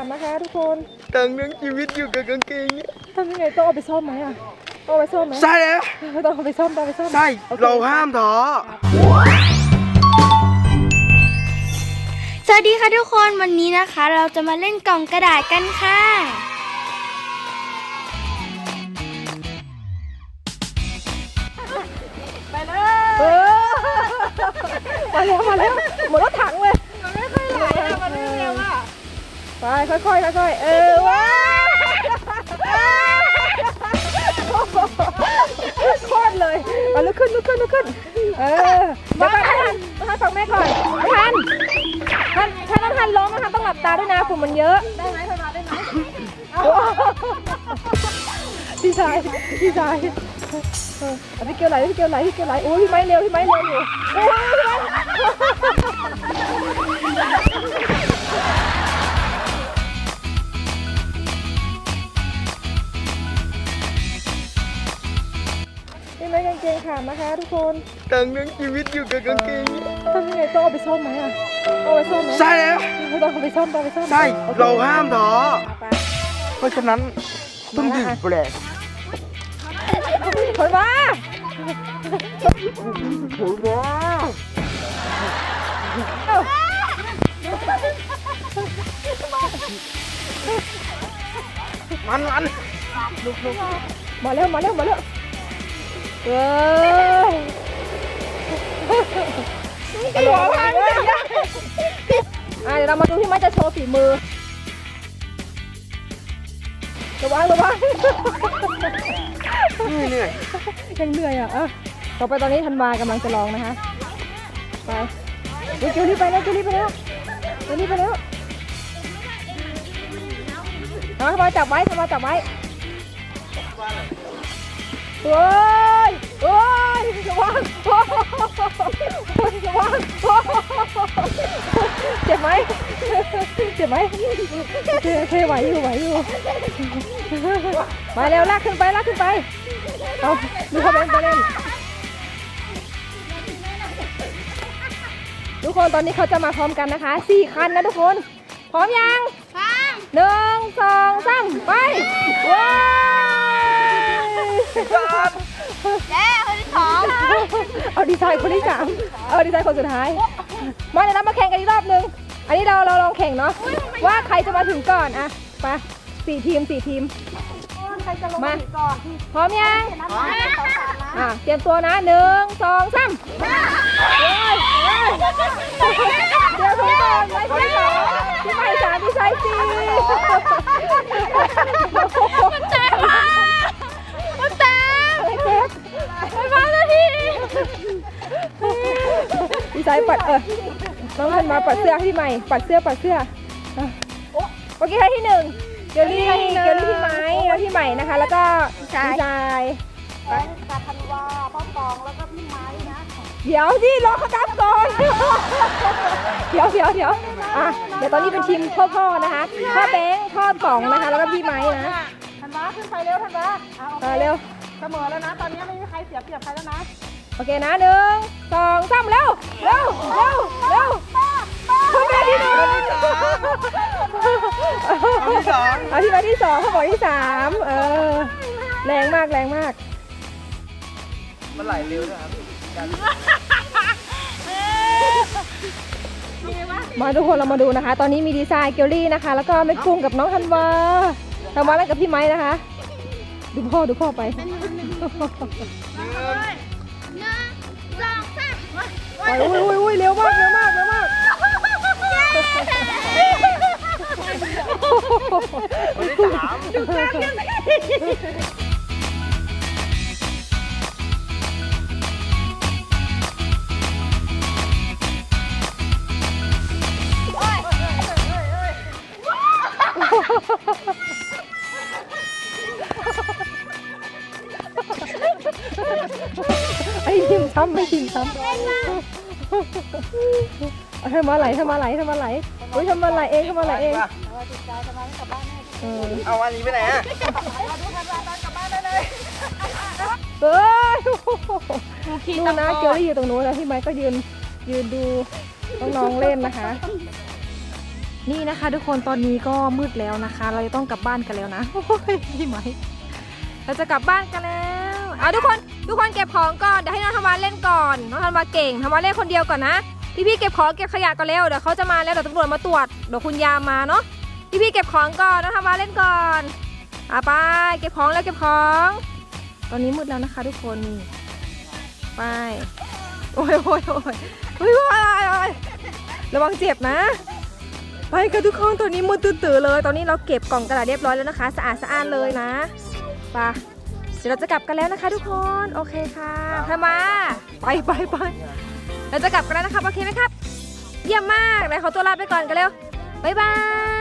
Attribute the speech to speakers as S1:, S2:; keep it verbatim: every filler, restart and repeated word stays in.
S1: นะคะทุกคน
S2: ตั้งเรื่องชีวิตอยู่กับกางเกงเนี่ย
S1: ทำยังไงต้องเอาไปซ่อมไหมอ่ะต้องเอาไปซ่อมไหม
S2: ใช่แล้ว
S1: ต้องเอาไปซ่อมต้องเอาไปซ่อม
S2: ใช่เราห้ามท้อ
S3: สวัสดีค่ะทุกคนวันนี้นะคะเราจะมาเล่นกล่องกระดาษกันค่ะ
S1: ไปเลยมาแล้วมาแล้วหมดรถถังเลยมันไม่ค่อยไหลอ่ะมันไม่เร็วอ่ะไปค่อยๆค่อยๆเออว้าโคตรเลยมาลุกขึ้นลุกขึ้นลุกขึ้นเออเดี๋ยวก่อนท่านท่านฟังแม่ก่อนท่านท่านท่านต้องท่านร้องนะคะต้องหลับตาด้วยนะฝุ่นมันเยอะได้ไหมท่านมาได้ไหมพี่ชายพี่ชายเออพี่เกียวไหลพี่เกียวไหลพี่เกียวไหลโอ้ยพี่ไม้เร็วพี่ไม้เร็วอยู่โอ้ยพี่ไม้พี่ไม้กางเกงขาดนะคะทุกคน
S2: ตั้งเรื่องชีวิตอยู่กับกางเกงเนี่ย
S1: ทำยังไงต้องเอาไปซ่อมไหมอ่ะเอาไปซ่อมไหม
S2: ใช่แล้ว
S1: ต้องเอาไปซ่อมต้องเอาไปซ่อม
S2: ใช่เราห้ามท้อเพราะฉะนั้นต้องดื่มแปลก
S1: ถอยมา
S2: โอ้โหมันมันลุกลุก
S1: มาเร็วมาเร็วมาเร็วเฮ้ยกระโดดพังเลยอ่ะเดี๋ยวเรามาดูที่ไม้จะโชว์ฝีมือระวังระวัง
S2: เหนื่อย
S1: ยังเหนื่อยอ่ะอ่ะต่อไปตอนนี้ธันวากำลังจะลองนะคะไปเดี๋ยวเกลี่ไปแล้วเกลี่ไปแล้วเกลี่ไปแล้วเอาทำไมจับไว้ทำไมจับไว้โอ้ยโอ้ยระวังโอ้ยระวังเจ็บไหมเจ็บไหมเคไหวอยู่ไหวอยู่มาเร็วลากขึ้นไปลากขึ้นไปเอาดูเขาเล่นไปเล่นทุกคนตอนนี้เขาจะมาพร้อมกันนะคะสี่คันนะทุกคนพร้อมยังพร้อมหนึ่งสองสามไปว้าว
S3: เย้คนที่สอง
S1: เอาดีไซน์คนที่สามเอาดีไซน์คนสุดท้ายมาเดี๋ยวเรามาแข่งกันอีกรอบนึงอันนี้เราเราลองแข่งเนาะว่าใครจะมาถึงก่อนอะไปสี่ทีมสี่ทีมมาพร้อมยังอ่ะเตรียมตัวนะหนึ่งสองสามเดี๋ยวทุกคนไว้คนที่สองที่ไม่สามที่ใช้สี่
S3: มันแตกมามันแตก
S1: อะไรเจ็บ
S3: ไปมาแล้วที
S1: ดีไซน์ปัดเออน้องเพิ่นมาปัดเสื้อให้พี่ใหม่ปัดเสื้อปัดเสื้อโอเคให้ที่หนึ่งเกลลี่เกลลี่พี่ไม้แล้วพี่ใหม่นะคะแล้วก็ดีไซน์
S4: กับธันวาพ่อปองแล้วก็พี่ไม้นะ
S1: เดี๋ยวสิรอเขากลับก่อนเดี๋ยวเดี๋ยวเดี๋ยวอ่ะเดี๋ยวตอนนี้เป็นทีมพ่อพ่อนะคะพ่อแบงค์พ่อป๋องนะคะแล้วก็พี่ไม้นะ
S4: ธันวาขึ้นไปเร็วธันวา
S1: เอาเร็ว
S4: เสมอแล้วนะตอนนี้ไม่มีใครเสียเปรียบใครแล้วนะ
S1: โอเคนะหนึ่งสองสามเร็วเร็วเร็วเร็วพ่อแม่ที่หนึ่ง
S2: เอาที่สอง
S1: เอาที่มาที่สองเขาบอกที่สามเออแรงมากแรงมาก
S2: มันไหลเร็วนะครับ
S1: มาทุกคนเรามาดูนะคะตอนนี้มีดีไซน์เกลลี่นะคะแล้วก็แม่กุ้งกับน้องธันวาธันวาแล้วกับพี่ไม้นะคะดูพ่อดูพ่อไป
S3: หนึ่งสองสาม
S1: ไปอุ้ยอุ้ยอุ้ยเร็วมากเร็วมากเร็วมาก
S2: วันที่สาม
S1: ดูกันกันไอ้ทิมช้ำไม่ทิมช้ำทำมาไหลทำมาไหลทำมาไหลอุ้ยทำมาไหลเองทำมาไหลเอง
S2: เอาอันนี้ไปไหนอ่ะ
S1: เฮ้ยดูนะเกลลี่อยู่ตรงนู้นแล้วพี่ไม้ก็ยืนยืนดูน้องๆเล่นนะคะนี่นะคะทุกคนตอนนี้ก็มืดแล้วนะคะ เราจะต้องกลับบ้านกันแล้วนะโอ้ยพี่ไหมเราจะกลับบ้านกันแล้วเอาทุกคนทุกคนเก็บของก่อนเดี๋ยวให้น้องธันวาเล่นก่อนน้องธันวาเก่งธันวาเล่นคนเดียวก่อนนะพี่ๆเก็บของเก็บขยะก่อนเร็วเดี๋ยวเขาจะมาแล้วเดี๋ยวตำรวจมาตรวจเดี๋ยวคุณยามมาเนาะพี่ๆเก็บของก่อนน้องธันวาเล่นก่อนอ่ะไปเก็บของแล้วเก็บของตอนนี้มืดแล้วนะคะทุกคนนี่ไปโอ้ยโอ้ยโอ้ยโอ้ยโอ้ยโอ้ยระวังเจ็บนะไปกันทุกคนตอนนี้มืดตื่นๆเลยตอนนี้เราเก็บกล่องกระดาษเรียบร้อยแล้วนะคะสะอาดสะอ้านเลยนะไปเดี๋ยวเราจะกลับกันแล้วนะคะทุกคนโอเคค่ะทำมาไปไปไปเราจะกลับกันแล้วนะครับโอเคไหมครับเยี่ยมมากเลยขอตัวลาไปก่อนกันเร็วบ๊ายบาย